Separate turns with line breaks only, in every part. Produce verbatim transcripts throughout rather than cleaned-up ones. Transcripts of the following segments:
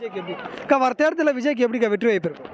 விஜய்க்கு எப்படி அக்கா வர தேர்தலில் விஜய்க்கு எப்படிக்கா வெற்றி வாய்ப்பு இருக்கும்?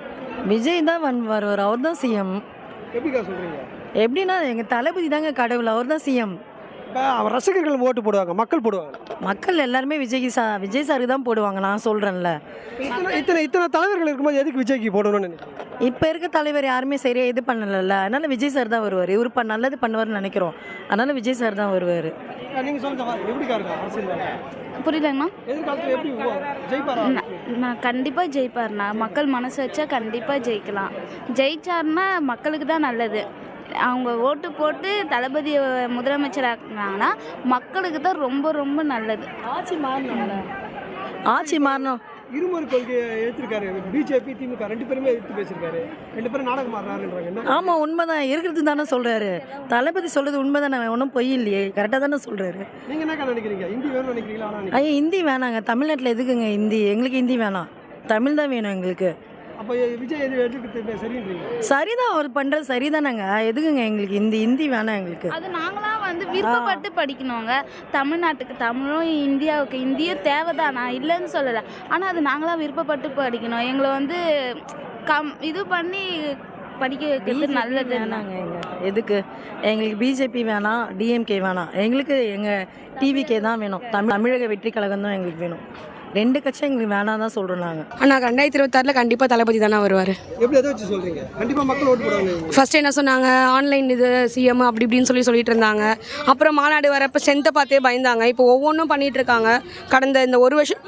விஜய் தான் வன் வருவார், அவர் தான் சிஎம்.
எப்படிக்கா சொல்கிறீங்க?
எப்படின்னா எங்கள் தளபதி தாங்க கடவுள், அவர் தான் சிஎம்.
இப்போ அவர் ரசிகர்கள் ஓட்டு போடுவாங்க, மக்கள் போடுவாங்க.
மக்கள் எல்லாருமே விஜய்க்கு சா விஜய் சாருக்கு தான் போடுவாங்க, நான் சொல்கிறேன்ல.
இத்தனை இத்தனை இத்தனை தலைவர்கள் இருக்கும்போது எதுக்கு விஜய்க்கு போடணும்னு நினைக்கிறீங்க?
இப்போ இருக்க தலைவர் யாருமே சரியாக இது பண்ணலைல்ல, அதனால் விஜய் சார் தான் வருவார். இவர் ப நல்லது பண்ணுவார்னு நினைக்கிறோம், அதனால் விஜய் சார் தான் வருவார்.
நீங்கள் சொல்லுங்க, எப்படிக்கா இருக்கா அரசியல்?
புரியலங்கண்ணா.
எதிர்காலத்தில் எப்படி ஜெயிப்பாரா?
நான் கண்டிப்பாக ஜெயிப்பார்ண்ணா. மக்கள் மனசு வச்சா கண்டிப்பாக ஜெயிக்கலாம். ஜெயிச்சார்னா மக்களுக்கு தான் நல்லது. அவங்க ஓட்டு போட்டு தளபதி முதலமைச்சராக்குனாங்கன்னா மக்களுக்கு தான் ரொம்ப ரொம்ப நல்லது.
ஆட்சி மாறணும்ல, ஆட்சி மாறணும்.
இருமொழி கொள்கையை எடுத்திருக்காரு பிஜேபி திமுக ரெண்டு பேருமே எடுத்து பேசியிருக்காரு. ரெண்டு பேரும் நாடகம் மாறுறாருன்றாங்க.
ஆமாம், உண்மைதான், இருக்கிறது தானே சொல்கிறாரு. தளபதி சொல்கிறது உண்மை தானே, ஒன்றும் பொய் இல்லையே, கரெக்டாக தானே சொல்கிறாரு.
நீங்கள் என்னக்கா நினைக்கிறீங்க? ஹிந்தி வேணும்னு நினைக்கிறீங்களா? ஆனால்
ஐயா ஹிந்தி வேணாங்க, தமிழ்நாட்டில் எதுக்குங்க ஹிந்தி? எங்களுக்கு ஹிந்தி வேணாம், தமிழ் தான் வேணும் எங்களுக்கு.
அப்போ விஜய் எது எடுத்துக்கிட்டு சரின்றீங்க?
சரிதான், அவர் பண்ணுறது சரிதானேங்க, எதுக்குங்க எங்களுக்கு ஹிந்தி? ஹிந்தி வேணாம் எங்களுக்கு.
அது நாங்களாம் வந்து விருப்பப்பட்டு படிக்கணுங்க. தமிழ்நாட்டுக்கு தமிழும் இந்தியாவுக்கு இந்தியும் தேவைதான், நான் இல்லைன்னு சொல்லலை. ஆனால் அது நாங்களாம் விருப்பப்பட்டு படிக்கணும். எங்களை வந்து கம் இது பண்ணி படிக்க வைக்கிறது நல்லது.
வேணாங்க எங்க எதுக்கு எங்களுக்கு பிஜேபி வேணாம், டிஎம்கே வேணாம், எங்களுக்கு எங்கள் டிவிகே தான் வேணும். தமிழ் தமிழக வெற்றி கழகம் தான் எங்களுக்கு வேணும். ரெண்டு கட்சியும் எங்களுக்கு வேணாம் தான் சொல்கிறோம் நாங்கள்.
ஆனால் ரெண்டாயிரத்தி இருபத்தாறில் கண்டிப்பாக தளபதி தானே வருவார்.
எப்படி எதை வச்சு சொல்கிறீங்க? கண்டிப்பாக மக்கள் ஓட்டு போடுவாங்க.
ஃபர்ஸ்ட் என்ன சொன்னாங்க, ஆன்லைன் இது சிஎம் அப்படி இப்படின்னு சொல்லி சொல்லிட்டு இருந்தாங்க. அப்புறம் மாநாடு வரப்போ சென்த்தை பார்த்தே பயந்தாங்க. இப்போ ஒவ்வொன்றும் பண்ணிகிட்டு இருக்காங்க. கடந்த இந்த ஒரு வருஷம்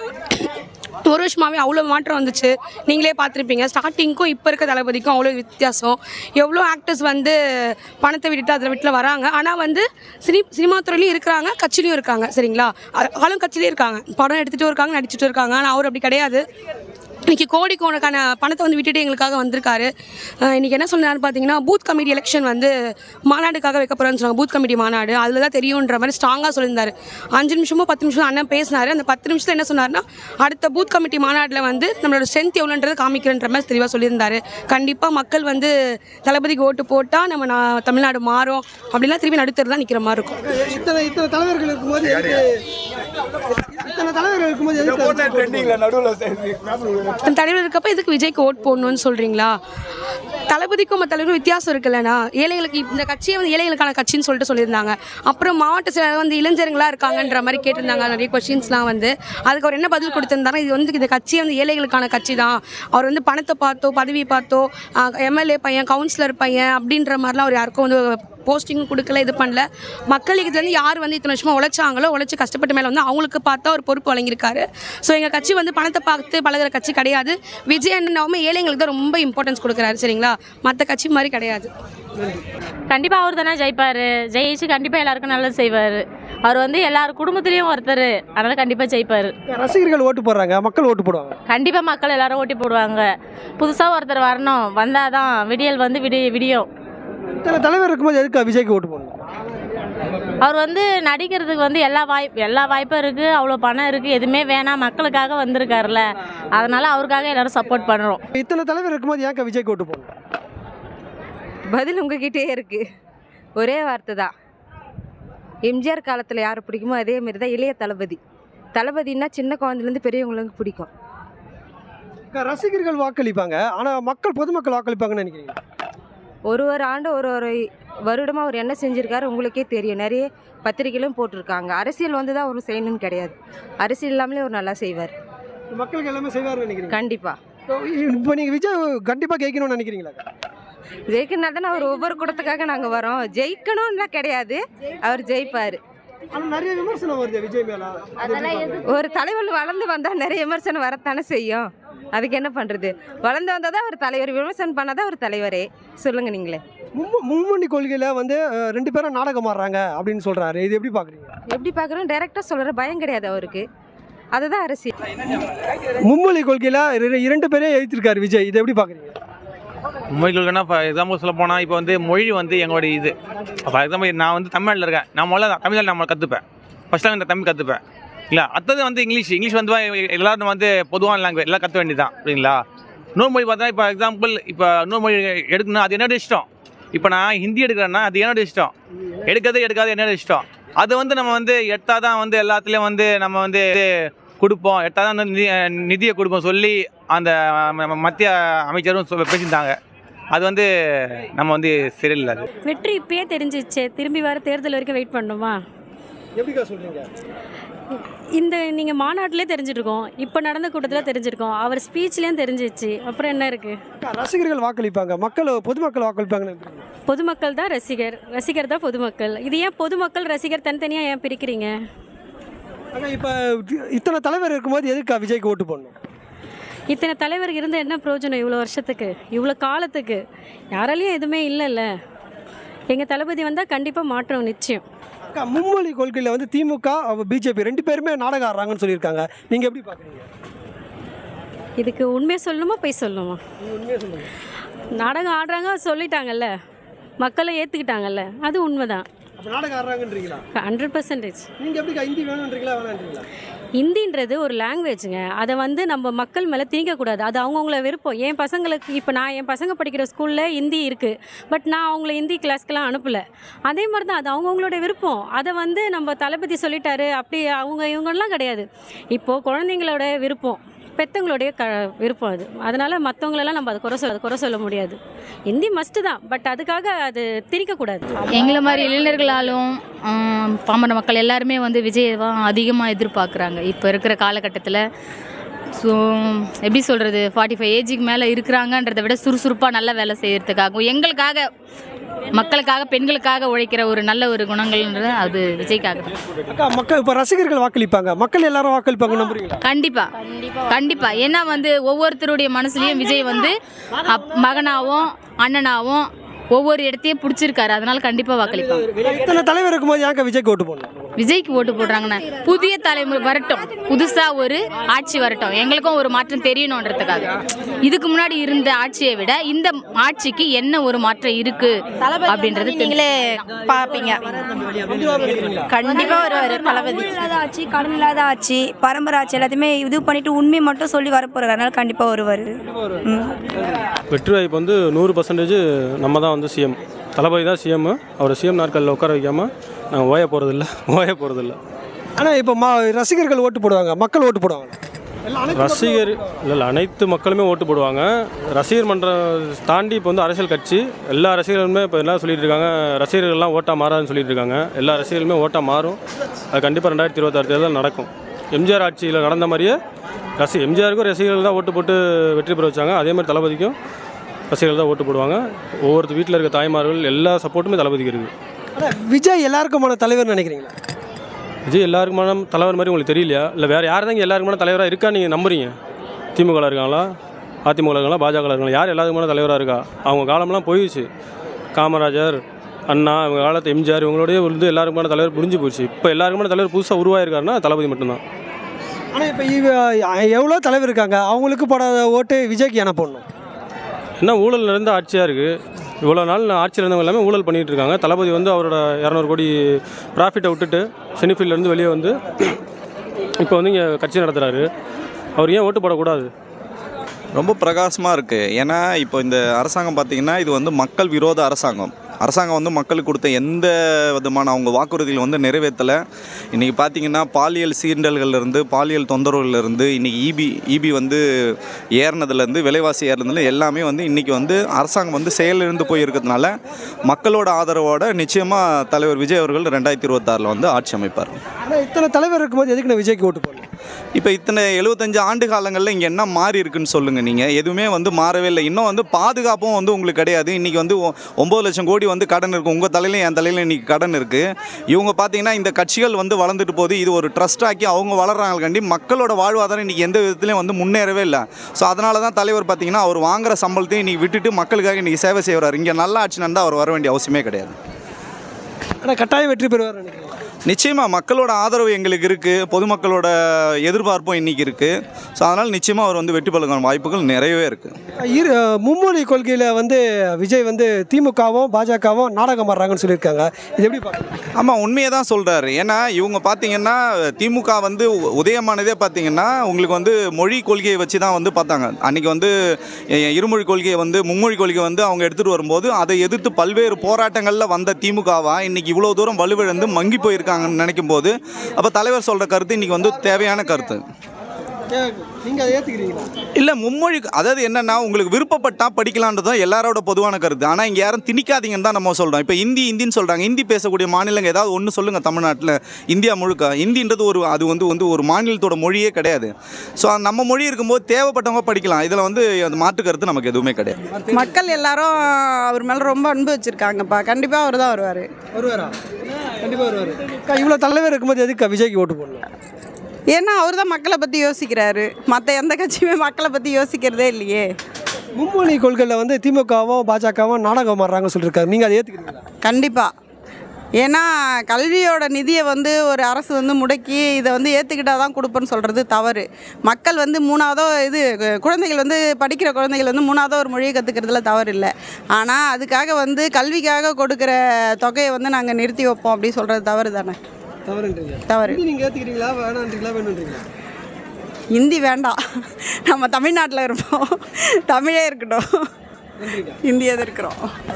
ஒரு வருஷமாகவே அவ்வளோ மாற்றம் வந்துச்சு. நீங்களே பார்த்துருப்பீங்க, ஸ்டார்டிங்க்கும் இப்போ இருக்க தளபதிக்கும் அவ்வளோ வித்தியாசம். எவ்வளோ ஆக்டர்ஸ் வந்து பணத்தை விட்டுட்டு அதில் வீட்டில் வராங்க. ஆனால் வந்து சினி சினிமா துறையிலையும் இருக்கிறாங்க, கட்சியிலையும் இருக்காங்க. சரிங்களா, ஆளும் கட்சியிலையும் இருக்காங்க, படம் எடுத்துகிட்டு இருக்காங்க, நடிச்சுட்டு இருக்காங்க. ஆனால் அவர் அப்படி கிடையாது. இன்றைக்கி கோடிக்கோணக்கான பணத்தை வந்து விட்டுட்டு எங்களுக்காக வந்திருக்காரு. இன்றைக்கி என்ன சொன்னார்னு பார்த்தீங்கன்னா, பூத் கமிட்டி எலெக்ஷன் வந்து மாநாடுக்காக வைக்க போகிறேன்னு சொன்னாங்க. பூத் கமிட்டி மாநாடு அதில் தான் தெரியுன்ற மாதிரி ஸ்ட்ராங்காக சொல்லியிருந்தார். அஞ்சு நிமிஷமோ பத்து நிமிஷம் அண்ணன் பேசினார். அந்த பத்து நிமிஷத்தில் என்ன சொன்னார்னா, அடுத்த பூத் கமிட்டி மாநாட்டில் வந்து நம்மளோட ஸ்ட்ரென்த் எவ்வளோன்றது காமிக்கிறன்ற மாதிரி தெளிவாக சொல்லியிருந்தார். கண்டிப்பாக மக்கள் வந்து தளபதிக்கு ஓட்டு போட்டால் நம்ம நான் தமிழ்நாடு மாறும் அப்படிலாம் திரும்பி நடுத்தர் தான் நிற்கிற மாதிரி இருக்கும்.
இத்தனை இத்தனை தலைவர்கள் இருக்கும்போது இத்தனை தலைவர்கள் இருக்கும்போது
தன் தலைவர் இருக்கப்போ எதுக்கு விஜய்க்கு ஓட் போடணும்னு சொல்கிறீங்களா? தளபதிக்கும் மற்ற தலைவருக்கும் வித்தியாசம் இருக்குல்லண்ணா. ஏழைகளுக்கு இந்த கட்சியை வந்து ஏழைகளுக்கான கட்சின்னு சொல்லிட்டு சொல்லியிருந்தாங்க. அப்புறம் மாவட்ட செயலர் வந்து இளைஞர்களாக இருக்காங்கன்ற மாதிரி கேட்டிருந்தாங்க. நிறைய கொஸ்டின்ஸ்லாம் வந்து அதுக்கு அவர் என்ன பதில் கொடுத்திருந்தாங்க, இது வந்து இந்த கட்சியை வந்து ஏழைகளுக்கான கட்சி தான். அவர் வந்து பணத்தை பார்த்தோ பதவி பார்த்தோ எம்எல்ஏ பையன் கவுன்சிலர் பையன் அப்படின்ற மாதிரிலாம் அவர் யாருக்கும் வந்து போஸ்டிங் கொடுக்கல, இது பண்ணல. மக்களுக்கு இதுலேருந்து யார் வந்து இத்தனை வருஷமாக உழைச்சாங்களோ, உழைச்சி கஷ்டப்பட்ட மேலே வந்து அவங்களுக்கு பார்த்தா ஒரு பொறுப்பு வழங்கியிருக்காரு. ஸோ எங்கள் கட்சி வந்து பணத்தை பார்த்து பழகிற கட்சி கிடையாது. விஜய் அண்ணனாவுமே ஏழைங்களுக்கு தான் ரொம்ப இம்பார்ட்டன்ஸ் கொடுக்குறாரு. சரிங்களா, மற்ற கட்சி மாதிரி கிடையாது.
கண்டிப்பாக அவர் தானே ஜெயிப்பார். ஜெயிச்சு கண்டிப்பாக எல்லாருக்கும் நல்லது செய்வார். அவர் வந்து எல்லார் குடும்பத்துலேயும் ஒருத்தர், அதனால் கண்டிப்பாக ஜெயிப்பார்.
ரசிகர்கள் ஓட்டு போடுறாங்க, மக்கள் ஓட்டு போடுவாங்க.
கண்டிப்பாக மக்கள் எல்லாரும் ஓட்டி போடுவாங்க. புதுசாக ஒருத்தர் வரணும், வந்தால் தான் விடியல் வந்து விடி விடியும்.
இத்தனை தலைவர் இருக்கும்போது எதுக்கு விஜய்க்கு ஓட்டு போடணும்?
அவர் வந்து நடிக்கிறதுக்கு வந்து எல்லா வாய்ப்பு எல்லா வாய்ப்பும் இருக்குது, அவ்வளோ பணம் இருக்குது, எதுவுமே வேணாம், மக்களுக்காக வந்திருக்காருல, அதனால் அவருக்காக எல்லோரும் சப்போர்ட் பண்ணுறோம்.
இத்தனை தலைவர் இருக்கும்போது ஏன் விஜய்க்கு ஓட்டு போடணும்?
பதில் உங்ககிட்டே இருக்குது, ஒரே வார்த்தை தான். எம்ஜிஆர் காலத்தில் யார் பிடிக்குமோ அதே மாரி தான் இளைய தளபதி. தளபதினா சின்ன குழந்தைலேருந்து பெரியவங்களுக்கு பிடிக்கும்.
ரசிகர்கள் வாக்களிப்பாங்க, ஆனால் மக்கள் பொதுமக்கள் வாக்களிப்பாங்கன்னு நினைக்கிறீங்க?
ஒரு ஒரு ஆண்டு ஒரு ஒரு வருடமாக அவர் என்ன செஞ்சுருக்காரு உங்களுக்கே தெரியும். நிறைய பத்திரிகையிலும் போட்டிருக்காங்க. அரசியல் வந்து தான் அவர் செய்யணும்னு கிடையாது, அரசியல் இல்லாமலே அவர் நல்லா செய்வார்.
மக்களுக்கு எல்லாமே செய்வார்னு நினைக்கிறீங்க?
கண்டிப்பாக.
இப்போ நீங்கள் விஜய் கண்டிப்பாக ஜெயிக்கணும்னு நினைக்கிறீங்களா?
ஜெயிக்கணும் தானே, அவர் ஒவ்வொரு கூட்டத்துக்காக நாங்கள் வரோம். ஜெயிக்கணும்லாம் கிடையாது, அவர் ஜெயிப்பார்.
நிறைய விமர்சனம் வருது விஜய் மேல.
ஒரு தலைவர் வளர்ந்து வந்தால் நிறைய விமர்சனம் வரத்தானே செய்யும். அதுக்கு என்ன பண்ணுறது, வளர்ந்து வந்தால் தான் ஒரு தலைவர், விமர்சனம் பண்ணால் தான் ஒரு தலைவரே. சொல்லுங்கள் நீங்களே.
மும்மொழி கொள்கையில் வந்து ரெண்டு பேரும் நாடகம் ஆடுறாங்க அப்படின்னு சொல்கிறாரு, இது எப்படி பார்க்குறீங்க?
எப்படி பார்க்குறோம், டைரெக்டாக சொல்கிற பயம் கிடையாது அவருக்கு, அதுதான் அரசியல்.
மும்மொழி கொள்கையில் இரண்டு பேரே எழுதியிருக்காரு விஜய், இது எப்படி பார்க்குறீங்க?
மொழி கொள்கைன்னா ஃபார் எக்ஸாம்பிள் சொல்ல போனால் இப்போ வந்து மொழி வந்து எங்களுடைய இது. ஃபார் எக்ஸாம்பிள் நான் வந்து தமிழ்நாட்டில் இருக்கேன், நான் முதல்ல தமிழ் நம்ம கற்றுப்பேன், ஃபஸ்ட் டைம் தமிழ் கற்றுப்பேன் இல்லை. அடுத்தது வந்து இங்கிலீஷ் இங்கிலீஷ் வந்து எல்லோரும் வந்து பொதுவான லாங்குவேஜ் எல்லாம் கற்று வேண்டியது தான் அப்படிங்களா. இன்னொரு மொழி பார்த்தா இப்போ எக்ஸாம்பிள் இப்போ இன்னொரு மொழி எடுக்கணும், அது என்னோட இஷ்டம். இப்போ நான் ஹிந்தி எடுக்கிறேன்னா அது என்னோட இஷ்டம், எடுக்கிறது எடுக்காது என்னோட இஷ்டம். அது வந்து நம்ம வந்து எடுத்தால் தான் வந்து எல்லாத்துலேயும் வந்து நம்ம வந்து கொடுப்போம் எட்டாவது வந்து நிதி நிதியை கொடுப்போம் சொல்லி அந்த ம- மத்திய அமைச்சரும் சொ- பேசியிருந்தாங்க. அது வந்து நம்ம வந்து சரியில்லை. அது
வெற்றி இப்பயே தெரிஞ்சிச்சு, திரும்பி வர தேர்தல் வரைக்கும் வெயிட் பண்ணணுமா?
எப்படிக்கா சொல்றீங்க?
இந்த நீங்கள் மாநாட்டிலே தெரிஞ்சிருக்கோம், இப்போ நடந்த கூட்டத்தில் தெரிஞ்சிருக்கோம், அவர் ஸ்பீச்லேயும் தெரிஞ்சிச்சு, அப்புறம் என்ன இருக்குது?
அக்கா, ரசிகர்கள் வாக்களிப்பாங்க, மக்கள் பொதுமக்கள் வாக்களிப்பாங்கன்னு எப்படி?
பொதுமக்கள் தான் ரசிகர், ரசிகர் தான் பொதுமக்கள். இது ஏன் பொதுமக்கள் ரசிகர் தனித்தனியாக ஏன் பிரிக்கிறீங்க?
அக்கா, இப்போ இத்தனை தலைவர் இருக்கும்போது எதுக்கா விஜய்க்கு ஓட்டு போடணும்?
இத்தனை தலைவர் இருந்து என்ன பிரயோஜனம்? இவ்வளோ வருஷத்துக்கு, இவ்வளோ காலத்துக்கு யாராலையும் எதுவுமே இல்லைல்ல. எங்கள் தளபதி வந்தால் கண்டிப்பாக மாற்றம் நிச்சயம்.
அக்கா, மும்மொழி கொள்கையில் வந்து திமுக பிஜேபி ரெண்டு பேருமே நாடகம் ஆடுறாங்கன்னு சொல்லியிருக்காங்க. நீங்கள் எப்படி பார்க்குறீங்க?
இதுக்கு உண்மையை சொல்லணுமா போய் சொல்லணுமா?
உண்மையாக சொல்லுங்க.
நாடகம் ஆடுறாங்க சொல்லிட்டாங்கல்ல, மக்களை ஏற்றுக்கிட்டாங்கல்ல, அது உண்மைதான்.
அப்போ நாடகம் ஆடுறாங்கன்றீங்களா?
Hundred percentage.
நீங்கள் எப்படிக்கா ஹிந்தி வேணுன்றீங்களா வேணான்றீங்களா?
ஹிந்தின்றது ஒரு லாங்குவேஜுங்க, அதை வந்து நம்ம மக்கள் மேலே திணிக்கக்கூடாது. அது அவங்கவுங்கள விருப்பம். என் பசங்களுக்கு இப்போ நான் என் பசங்க படிக்கிற ஸ்கூலில் ஹிந்தி இருக்குது, பட் நான் அவங்கள ஹிந்தி கிளாஸ்க்கெலாம் அனுப்பலை. அதே மாதிரி தான் அது அவங்கவுங்களோட விருப்பம். அதை வந்து நம்ம தளபதி சொல்லிட்டாரு அப்படி அவங்க இவங்கெல்லாம் கிடையாது. இப்போது குழந்தைங்களோட விருப்பம், பெற்றவங்களுடைய க விருப்பம் அது. அதனால் மற்றவங்களெல்லாம் நம்ம அதை குறை சொல்ல குறை சொல்ல முடியாது. ஹிந்தி மஸ்ட்டு தான், பட் அதுக்காக அது திணிக்கக்கூடாது.
எங்களை மாதிரி இளைஞர்களாலும் ஆம், பாமர மக்கள் எல்லாருமே வந்து விஜயை தான் அதிகமாக எதிர்பார்க்குறாங்க இப்போ இருக்கிற காலகட்டத்தில். ஸோ எப்படி சொல்கிறது, ஃபார்ட்டி ஃபைவ் ஏஜுக்கு மேலே இருக்கிறாங்கன்றதை விட சுறுசுறுப்பாக நல்ல வேலை செய்கிறதுக்காகவும் எங்களுக்காக மக்களுக்காக பெண்களுக்காக உழைக்கிற ஒரு நல்ல ஒரு குணங்கள்ன்றது அது விஜய்க்காக தான்.
அக்கா, மக்கள் இப்போ ரசிகர்கள் வாக்களிப்பாங்க, மக்கள் எல்லாரும் வாக்களிப்பாங்க நம்புறீங்களா?
கண்டிப்பாக கண்டிப்பாக ஏன்னா வந்து ஒவ்வொருத்தருடைய மனசுலையும் விஜய் வந்து அப் மகனாகவும் அண்ணனாகவும் ஒவ்வொரு இடத்தையும் பிடிச்சிருக்காரு. அதனால கண்டிப்பாக வாக்களிப்பாங்க.
இத்தனை தலைவர் இருக்கும்போது ஏங்க விஜய்க்கு ஓட்டு போடணும்?
விஜய்க்கு ஓட்டு போடுறாங்கன்னா புதிய தலைமுறை வரட்டும், புதுசாக ஒரு ஆட்சி வரட்டும், எங்களுக்கும் ஒரு மாற்றம் தெரியணுன்றதுக்காக. இதுக்கு முன்னாடி இருந்த ஆட்சியை விட இந்த ஆட்சிக்கு என்ன ஒரு மாற்றம் இருக்கு அப்படின்றது நீங்களே
பார்ப்பீங்க. கண்டிப்பாக வருவார் தளபதி. இல்லாத ஆட்சி, கடன் இல்லாத ஆட்சி, பரம்பரை ஆட்சி எல்லாத்தையுமே இது பண்ணிட்டு உண்மையை மட்டும் சொல்லி வரப்போறாரு. அதனால கண்டிப்பாக வருவார்.
வெற்றி வாய்ப்பு வந்து நூறு பர்சன்டேஜ் நம்ம தான் வந்து சிஎம். தளபதி தான் சிஎம். அவர் சிஎம் நாட்களில் உட்கார வைக்காமல் நாங்கள் ஓய போகிறதில்ல ஓய போகிறதில்ல
ஆனால் இப்போ மா ரசிகர்கள் ஓட்டு போடுவாங்க, மக்கள் ஓட்டு போடுவாங்க. எல்லாம் அனைத்து
ரசிகர் இல்லை இல்லை அனைத்து மக்களுமே ஓட்டு போடுவாங்க. ரசிகர் மன்றம் தாண்டி இப்போ வந்து அரசியல் கட்சி எல்லா ரசிகர்களுமே இப்போ என்ன சொல்லிட்டு இருக்காங்க, ரசிகர்கள்லாம் ஓட்டாக மாறாதுன்னு சொல்லிட்டு இருக்காங்க. எல்லா ரசிகர்களுமே ஓட்டாக மாறும். அது கண்டிப்பாக ரெண்டாயிரத்தி இருபத்தாறு தேர்தல் நடக்கும். எம்ஜிஆர் ஆட்சியில் நடந்த மாதிரியே ரசி எம்ஜிஆருக்கும் ரசிகர்கள் தான் ஓட்டு போட்டு வெற்றி பெற வச்சாங்க. அதே மாதிரி தளபதிக்கும் ரசிகர்கள் தான் ஓட்டு போடுவாங்க. ஒவ்வொருத்தர் வீட்டில் இருக்க தாய்மார்கள் எல்லா சப்போர்ட்டுமே தளபதிக்கு இருக்குது.
ஆனால் விஜய் எல்லாருக்குமான தலைவர் நினைக்கிறீங்களா?
விஜய் எல்லாருக்குமான தலைவர் மாதிரி உங்களுக்கு தெரியலையா? இல்லை வேறு யார் தான் இங்கே எல்லாருக்குமான தலைவராக இருக்கா நீங்கள் நம்புறீங்க? திமுகவில் இருக்காங்களா, அதிமுக இருக்காங்களா, பாஜக இருக்காங்களா, யார் எல்லாருக்குமான தலைவராக இருக்கா? அவங்க காலம்லாம் போயிடுச்சு. காமராஜர், அண்ணா, இவங்க காலத்து எம்ஜிஆர் இவங்களோடய வந்து எல்லாருக்குமான தலைவர் புரிஞ்சு போயிடுச்சு. இப்போ எல்லாருக்குமான தலைவர் புதுசாக உருவாயிருக்காருன்னா தளபதி மட்டும்தான்.
ஆனால் இப்போ இவ எவ்வளோ தலைவர் இருக்காங்க, அவங்களுக்கு போடாத ஓட்டு விஜய்க்கு என்ன போடணும்?
என்ன ஊழல் நிறைந்த ஆட்சியாக இருக்குது. இவ்வளோ நாள் ஆட்சியில் இருந்தவங்க எல்லாமே ஊழல் பண்ணிகிட்டு இருக்காங்க. தளபதி வந்து அவரோட இரநூறு கோடி ப்ராஃபிட்டை விட்டுட்டு செனிஃபீல்ட்லேருந்து வெளியே வந்து இப்போ வந்து இங்கே கட்சி நடத்துகிறாரு. அவர் ஏன் ஓட்டு போடக்கூடாது?
ரொம்ப பிரகாசமாக இருக்குது. ஏன்னா இப்போ இந்த அரசாங்கம் பார்த்திங்கன்னா இது வந்து மக்கள் விரோத அரசாங்கம். அரசாங்கம் வந்து மக்களுக்கு கொடுத்த எந்த விதமான அவங்க வாக்குறுதிகள் வந்து நிறைவேற்றலை. இன்றைக்கி பார்த்திங்கன்னா பாலியல் சீண்டல்கள்லேருந்து பாலியல் தொந்தரவுலேருந்து இன்றைக்கி இபி இபி வந்து ஏறினதுலேருந்து விலைவாசி ஏறினதுல எல்லாமே வந்து இன்றைக்கி வந்து அரசாங்கம் வந்து செயலிழந்து போயிருக்கிறதுனால மக்களோட ஆதரவோட நிச்சயமாக தலைவர் விஜய் அவர்கள் ரெண்டாயிரத்தி இருபத்தாறில் வந்து ஆட்சி அமைப்பார்.
ஆனால் இத்தனை தலைவர் இருக்கும்போது எதுக்கு நான் விஜய்க்கு ஓட்டு போடணும்?
இப்போ இத்தனை எழுபத்தஞ்சு ஆண்டு காலங்களில் இங்கே என்ன மாறி இருக்குன்னு சொல்லுங்கள். நீங்கள் எதுவுமே வந்து மாறவே இல்லை. இன்னும் வந்து பாதுகாப்பும் வந்து உங்களுக்கு கிடையாது. இன்றைக்கி வந்து ஒம்பது லட்சம் கோடி வந்து கடன் இருக்குது. உங்கள் தலையிலையும் என் தலையிலும் இன்றைக்கி கடன் இருக்குது. இவங்க பார்த்தீங்கன்னா இந்த கட்சிகள் வந்து வளர்ந்துட்டு போகுது. இது ஒரு ட்ரஸ்ட் ஆக்கி அவங்க வளர்கிறாங்க கண்டி மக்களோட வாழ்வாதாரம் இன்றைக்கி எந்த விதத்துலையும் வந்து முன்னேறவே இல்லை. ஸோ அதனால தான் தலைவர் பார்த்தீங்கன்னா அவர் வாங்குகிற சம்பளத்தையும் இன்றைக்கி விட்டுட்டு மக்களுக்காக இன்றைக்கி சேவை செய்கிறார். இங்கே நல்ல ஆட்சி நடந்தால் அவர் வர வேண்டிய அவசியமே கிடையாது.
ஆனால் கட்டாயம் வெற்றி பெறுவார் நினைக்கிறேன்.
நிச்சயமாக மக்களோட ஆதரவு எங்களுக்கு இருக்குது, பொதுமக்களோட எதிர்பார்ப்பும் இன்றைக்கி இருக்குது. ஸோ அதனால் நிச்சயமாக அவர் வந்து வெற்றி பெறுவதற்கான வாய்ப்புகள் நிறையவே இருக்குது.
இரு மும்மொழி கொள்கையில் வந்து விஜய் வந்து திமுகவும் பாஜகவும் நாடகம் ஆடுறாங்கன்னு சொல்லியிருக்காங்க. இது எப்படி பார்க்குறீங்க?
ஆமாம், உண்மையை தான் சொல்கிறாரு. ஏன்னா இவங்க பார்த்தீங்கன்னா திமுக வந்து உதயமானதே பார்த்தீங்கன்னா உங்களுக்கு வந்து மொழி கொள்கையை வச்சு தான் வந்து பார்த்தாங்க. அன்றைக்கி வந்து இருமொழி கொள்கையை வந்து மும்மொழி கொள்கையை வந்து அவங்க எடுத்துகிட்டு வரும்போது அதை எதிர்த்து பல்வேறு போராட்டங்களில் வந்த திமுகவா இன்றைக்கி இவ்வளோ தூரம் வலுவிழந்து மங்கி போயிருக்காங்கன்னு நினைக்கும் போது அப்போ தலைவர் சொல்கிற கருத்து இன்றைக்கி வந்து தேவையான கருத்து.
நீங்கள் அதை ஏற்றுக்கிறீங்களா?
இல்லை மும்மொழி அதாவது என்னென்னா உங்களுக்கு விருப்பப்பட்டால் படிக்கலான்றதும் எல்லாரோட பொதுவான கருத்து. ஆனால் இங்கே யாரும் திணிக்காதீங்கன்னு தான் நம்ம சொல்கிறோம். இப்போ ஹிந்தி ஹிந்தின்னு சொல்கிறாங்க. ஹிந்தி பேசக்கூடிய மாநிலங்கள் ஏதாவது ஒன்று சொல்லுங்கள் தமிழ்நாட்டில். இந்தியா முழுக்க ஹிந்தின்றது ஒரு அது வந்து வந்து ஒரு மாநிலத்தோட மொழியே கிடையாது. ஸோ நம்ம மொழி இருக்கும்போது தேவைப்பட்டவங்க படிக்கலாம். இதில் வந்து அந்த மாற்று கருத்து நமக்கு எதுவுமே கிடையாது.
மக்கள் எல்லாரும் அவர் மேலே ரொம்ப அன்பு வச்சுருக்காங்கப்பா. கண்டிப்பாக அவர் தான் வருவார்.
வருவாரா? கண்டிப்பாக வருவார். அக்கா, இவ்வளோ தலைவர் இருக்கும்போது எதுக்கு விஜய்க்கு ஓட்டு போடணும்?
ஏன்னா அவர் தான் மக்களை பற்றி யோசிக்கிறாரு. மற்ற எந்த கட்சியுமே மக்களை பற்றி யோசிக்கிறதே இல்லையே.
மும்மொழி கொள்கையில் வந்து திமுகவும் பாஜகவும் நாடகம் மாறுறாங்கன்னு சொல்லியிருக்காரு. நீங்கள் அதை ஏற்றுக்கிறீங்களா?
கண்டிப்பாக. ஏன்னா கல்வியோட நிதியை வந்து ஒரு அரசு வந்து முடக்கி இதை வந்து ஏற்றுக்கிட்டால் தான் கொடுப்பேன்னு சொல்கிறது தவறு. மக்கள் வந்து மூணாவதோ இது குழந்தைகள் வந்து படிக்கிற குழந்தைகள் வந்து மூணாவதோ ஒரு மொழியை கற்றுக்கிறதுல தவறு இல்லை. ஆனால் அதுக்காக வந்து கல்விக்காக கொடுக்குற தொகையை வந்து நாங்கள் நிறுத்தி வைப்போம் அப்படி சொல்கிறது தவறு தானே?
தவறுன்றீங்க?
தவறு.
நீங்கள் ஏற்றுக்கிறீங்களா வேணான்றீங்களா வேணுன்றீங்களா?
ஹிந்தி வேண்டாம், நம்ம தமிழ்நாட்டில் இருப்போம், தமிழே இருக்கட்டும், ஹிந்தியே தான் இருக்கிறோம்.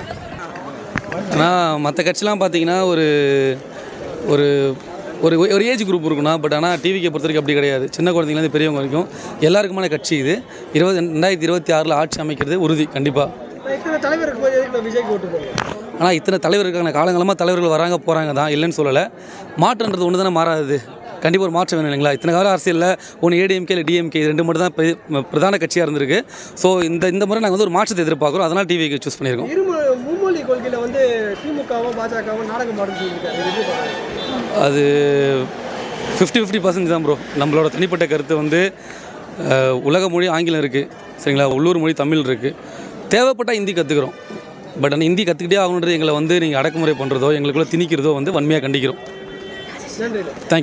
ஆனால் மற்ற கட்சிலாம் பார்த்தீங்கன்னா ஒரு ஒரு ஒரு ஒரு ஏஜ் குரூப் இருக்குண்ணா. பட் ஆனால் டிவிக்கை பொறுத்த வரைக்கும் அப்படி கிடையாது. சின்ன குழந்தைங்கலேருந்து பெரியவங்க வரைக்கும் எல்லாருக்குமான கட்சி இது. இருபது ரெண்டாயிரத்தி இருபத்தி ஆறில் ஆட்சி அமைக்கிறது உறுதி கண்டிப்பாக.
இத்தனை தலைவர் இருக்கும்போது எதுக்கு விஜய்க்கு ஓட்டு போடணும்?
ஆனால் இத்தனை தலைவர் இருக்காங்க. காலங்காலமாக தலைவர்கள் வராங்க போகிறாங்க தான், இல்லைன்னு சொல்லலை. மாற்றன்றது ஒன்று தானே மாறாது. கண்டிப்பாக ஒரு மாற்றம் வேணும் இல்லைங்களா? இத்தனை கால அரசியலில் ஒன்று ஏடிஎம்கே இல்லை டிஎம்கே இது ரெண்டு மட்டும் தான் பெ- பிரதான கட்சியாக இருந்திருக்கு. ஸோ இந்த இந்த முறை நாங்கள் வந்து ஒரு மாற்றத்தை எதிர்பார்க்குறோம். அதனால் டிவிக்கு சூஸ் பண்ணியிருக்கோம்.
இருமொழி மும்மொழி கொள்கையில் வந்து திமுகவும் பாஜகவும் நாடகம் மாறுன்னு சொல்லியிருக்காரு. இது எப்படி பார்க்குறீங்க?
அது ஃபிஃப்டி ஃபிஃப்டி பர்சன்ட் தான் ப்ரோ. நம்மளோட தனிப்பட்ட கருத்து வந்து அஹ், உலக மொழி ஆங்கிலம் இருக்குது சரிங்களா, உள்ளூர் மொழி தமிழ் இருக்குது. தேவைப்பட்டால் ஹிந்தி கற்றுக்குறோம். பட் ஆனால் ஹிந்தி கற்றுக்கிட்டே ஆகணுன்றது எங்களை வந்து நீங்கள் அடக்குமுறை பண்ணுறதோ எங்களுக்குள்ளே திணிக்கிறதோ வந்து வன்மையாக கண்டிக்கிறோம்.
நன்றி.
தேங்க்யூ.